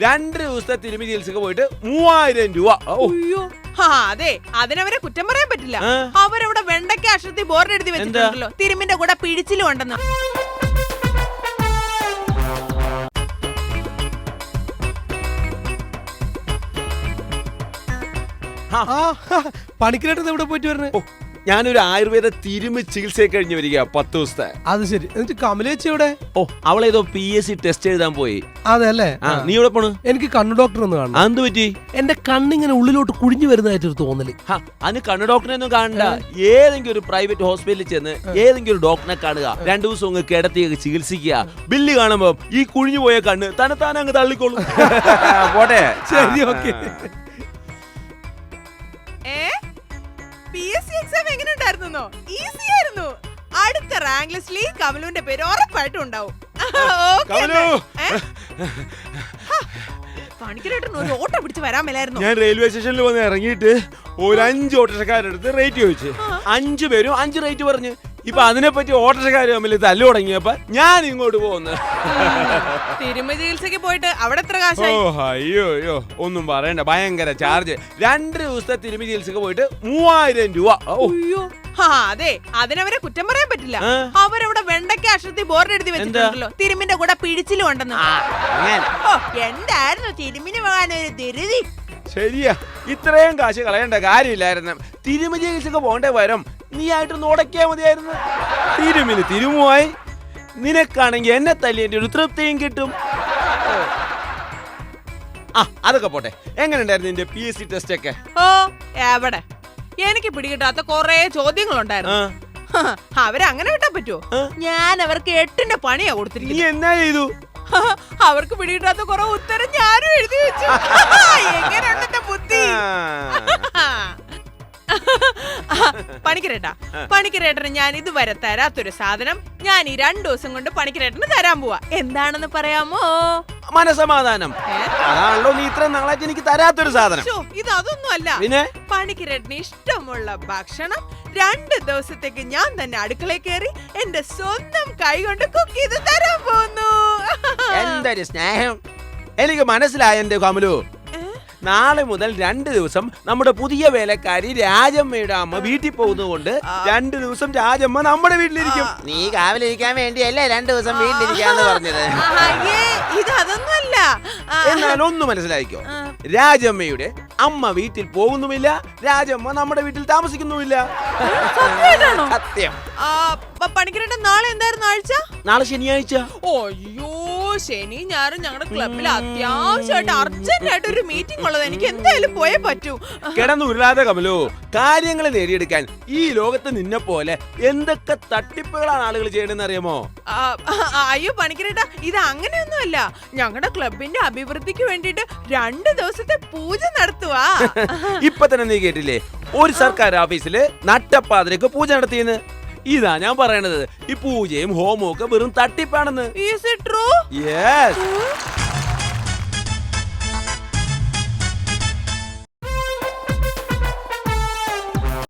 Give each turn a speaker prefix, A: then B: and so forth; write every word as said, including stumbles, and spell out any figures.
A: രണ്ട് ദിവസത്തെ തിരുമി ചികിത്സക്ക് പോയിട്ട് മൂവായിരം രൂപ.
B: അയ്യോ അതെ, അതിനവരെ കുറ്റം പറയാൻ പറ്റില്ല. അവരവിടെ വെണ്ടയ്ക്ക അക്ഷരത്തിൽ ബോർഡ് എഴുതി വെച്ചിട്ടുണ്ടല്ലോ, തിരുമിന്റെ കൂടെ പിടിച്ചിലും ഉണ്ടെന്ന്.
C: പണിക്കരായിട്ട് എവിടെ പോയിട്ട് വരണേ?
A: ഞാനൊരു ആയുർവേദ തിരുമി ചികിത്സ കഴിഞ്ഞ് വരിക പത്ത് ദിവസത്തെ.
C: അത് ശരി. എന്നിട്ട് കമലേച്ചി എവിടെ?
A: ഓ, അവളേതോ പി എസ് സി ടെസ്റ്റ് എഴുതാൻ പോയി.
C: അതെല്ലേ?
A: നീ എവിടെ പോണു?
C: എനിക്ക് കണ്ണു ഡോക്ടർ ഒന്ന് കാണണം.
A: എന്ത് പറ്റി?
C: എന്റെ കണ്ണിങ്ങനെ ഉള്ളിലോട്ട് കുഴിഞ്ഞു വരുന്നതായിട്ടൊരു തോന്നല്.
A: അതിന് കണ്ണു ഡോക്ടറെ ഒന്നും കാണണ്ട. ഏതെങ്കിലും ഒരു പ്രൈവറ്റ് ഹോസ്പിറ്റലിൽ ചെന്ന് ഏതെങ്കിലും ഒരു ഡോക്ടറെ കാണുക, രണ്ടു ദിവസം അങ്ങ് കിടത്തി ചികിത്സിക്കുക. ബില്ല് കാണുമ്പോ ഈ കുഴിഞ്ഞു പോയ കണ്ണ് തന്നെത്താനെ അങ്ങ് തള്ളിക്കോളും. പോട്ടെ.
C: ശരി, okay.
B: P S C exam എങ്ങനെ ഉണ്ടായിരുന്നോ? ഈസി ആയിരുന്നു. അടുത്ത റാങ്ക് ലിസ്റ്റിൽ കമലുവിന്റെ പേര് ഉറപ്പായിട്ടും ഉണ്ടാവും. പണിക്കരായിട്ട് ഒരു ഓട്ടോ പിടിച്ച് വരാൻ മേലായിരുന്നു.
A: ഞാൻ റെയിൽവേ സ്റ്റേഷനിൽ വന്ന് ഇറങ്ങിയിട്ട് ഒരു അഞ്ച് ഓട്ടോറിക്ഷക്കാരെടുത്ത് റേറ്റ് ചോദിച്ചു. അഞ്ചു പേരും അഞ്ച് റേറ്റ് പറഞ്ഞു. ഇപ്പൊ അതിനെപ്പറ്റി ഓട്ടോറിക്ഷക്കാര് തമ്മിൽ തല്ലു തുടങ്ങിയപ്പോ ഞാൻ ഇങ്ങോട്ട് പോകുന്നു.
B: തിരുമ ചികിത്സക്ക് പോയിട്ട് അവിടെ എത്ര കാശായി?
A: ഓ അയ്യോ അയ്യോ ഒന്നും പറയണ്ട, ഭയങ്കര ചാർജ്. രണ്ട് ദിവസത്തെ തിരുമി ചികിത്സക്ക് പോയിട്ട് മൂവായിരം രൂപ.
B: അയ്യോ അതെ, അതിനവരെ കുറ്റം പറയാൻ പറ്റില്ല. അവരവിടെ വെണ്ടയ്ക്ക അക്ഷരത്തിൽ ബോർഡ് എഴുതി വെച്ചിട്ടുണ്ടല്ലോ, തിരുമിന്റെ കൂടെ പിടിച്ചിലും ഉണ്ടെന്ന്. എന്തായിരുന്നു തിരുമിന് പോകാനൊരു ധൃതി.
A: ശരിയാ, ഇത്രയും കാശ് കളയേണ്ട കാര്യമില്ലായിരുന്നു. തിരുമി ചികിത്സക്ക് പോകേണ്ട വരം നീ ആയിട്ട് നോടക്കിയാ മതിയായിരുന്നു. തിരുമിന് തിരുമുമായി, നിനക്കാണെങ്കിൽ എന്നെ തല്ലിന്റെ ഒരു തൃപ്തിയും കിട്ടും. ആ അതൊക്കെ പോട്ടെ, എങ്ങനെയുണ്ടായിരുന്നു നിന്റെ പി എസ് സി ടെസ്റ്റ് ഒക്കെ?
B: ഓ എവിടെ, എനിക്ക് പിടികിട്ടാത്ത കൊറേ ചോദ്യങ്ങളുണ്ടായിരുന്നു. അവരങ്ങനെ വിട്ടാ പറ്റുമോ? ഞാൻ അവർക്ക് എട്ടിന്റെ പണിയാ കൊടുത്തിരിക്കുന്നത്.
A: നീ എന്നാ ചെയ്തു?
B: അവർക്ക് പിടികിട്ടാത്ത കുറെ ഉത്തരം ഞാനും എഴുതി വെച്ചു. എങ്ങനെയുണ്ട് ബുദ്ധി? പണിക്കരേട്ടാ, പണിക്കരേട്ടന് ഞാൻ ഇതുവരെ തരാത്തൊരു സാധനം ഞാൻ ഈ രണ്ടു ദിവസം കൊണ്ട് പണിക്കരേട്ടന് തരാൻ പോവാ. എന്താണെന്ന് പറയാമോ?
A: മനസമാധാനം. അതാണല്ലോ നീ ഇത്ര നാളായിട്ട് എനിക്ക് തരാത്തൊരു സാധനം.
B: ഇത് അതൊന്നും അല്ല. പിന്നെ പണിക്കരേട്ടന് ഇഷ്ടമുള്ള ഭക്ഷണം രണ്ട് ദിവസത്തേക്ക് ഞാൻ തന്നെ അടുക്കളയിൽ കയറി എന്റെ സ്വന്തം കൈ കൊണ്ട് കുക്ക് ചെയ്ത് തരാൻ പോകുന്നു.
A: എന്തൊരു സ്നേഹം. എനിക്ക് മനസ്സിലായ എന്റെ കമലു. നാളെ മുതൽ രണ്ട് ദിവസം നമ്മുടെ പുതിയ വേലക്കാരി രാജമ്മയുടെ അമ്മ വീട്ടിൽ പോകുന്നതുകൊണ്ട് രണ്ടു ദിവസം രാജമ്മ നമ്മുടെ വീട്ടിലിരിക്കും. നീ കാവലിരിക്കാൻ വേണ്ടിയല്ലേ രണ്ടു ദിവസം വീട്ടിലിരിക്കാന്ന് പറഞ്ഞത്?
B: ഇത് അതൊന്നുമല്ല.
A: എന്നാൽ ഒന്ന് മനസ്സിലായിക്കോ, രാജമ്മയുടെ അമ്മ വീട്ടിൽ പോകുന്നുമില്ല, രാജമ്മ നമ്മുടെ വീട്ടിൽ താമസിക്കുന്നുമില്ല. സത്യം.
B: പണിക്കരേട്ടൻ നാളെ എന്തായിരുന്നു ആഴ്ച?
A: നാളെ ശനിയാഴ്ച.
B: അയ്യോ, ശനി ഞായറും ഞങ്ങളുടെ ക്ലബിൽ അത്യാവശ്യമായിട്ട് അർജന്റായിട്ട് ഒരു മീറ്റിംഗ് ഉള്ളത്, എനിക്ക് എന്തായാലും പോയേ പറ്റൂ.
A: കിടന്നുരുളാതെ കമലു, കാര്യങ്ങൾ നേടിയെടുക്കാൻ ഈ ലോകത്ത് നിന്നെ പോലെ എന്തൊക്കെ തട്ടിപ്പുകളാണ് ആളുകൾ ചെയ്യണമെന്ന് അറിയാമോ?
B: അയ്യോ പണിക്കരേട്ടാ, ഇത് അങ്ങനെയൊന്നുമല്ല. ഞങ്ങളുടെ ക്ലബിന്റെ അഭിവൃദ്ധിക്ക് വേണ്ടിട്ട് രണ്ട് ദിവസത്തെ പൂജ നടത്തുവാ.
A: ഇപ്പൊ തന്നെ നീ കേട്ടില്ലേ, ഒരു സർക്കാർ ഓഫീസില് നട്ടപ്പാതിരക്ക് പൂജ നടത്തിയെന്ന്. ഇതാ ഞാൻ പറയണത്, ഈ പൂജയും ഹോമവും ഒക്കെ വെറും തട്ടിപ്പാണെന്ന്.
B: Is it true?
A: Yes.